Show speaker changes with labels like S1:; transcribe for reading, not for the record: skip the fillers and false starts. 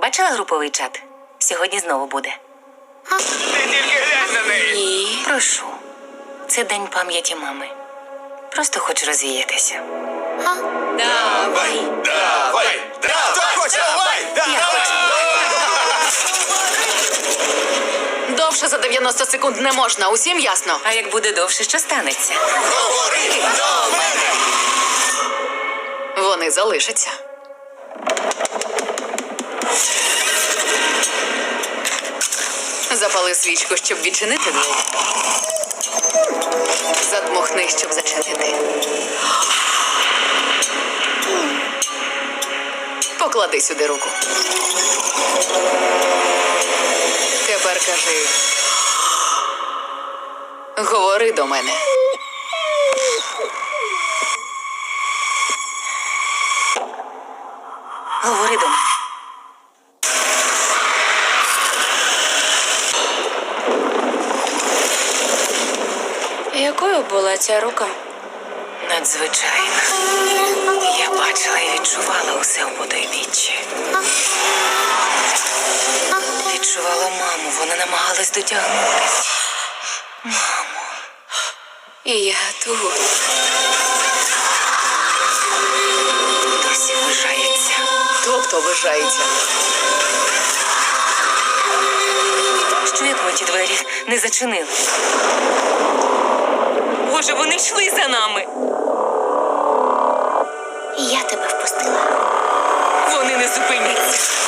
S1: Бачила груповий чат? Сьогодні знову буде.
S2: Ти тільки глянь на неї.
S1: Ні, прошу. Це день пам'яті мами. Просто хочу розвіятися. Давай.
S2: Давай!
S1: Я хочу.
S3: Довше за 90 секунд не можна, усім ясно.
S1: А як буде довше, що станеться?
S2: Говори до мене!
S3: Вони залишаться. Запали свічку, щоб відчинити двері. Задмухни, щоб зачинити. Поклади сюди руку. Тепер кажи. Говори до мене.
S1: Говори до мене.
S4: Якою була ця рука?
S1: Надзвичайно. Я бачила і відчувала усе у потойбіччі. Відчувала маму, вона намагалась дотягнутися. Мамо.
S4: І я тут.
S1: Досі вважається.
S3: Тобто вважається.
S1: Що як ми ті двері не зачинили? Боже, вони йшли за нами.
S4: Я тебе впустила.
S1: Вони не зупиняться.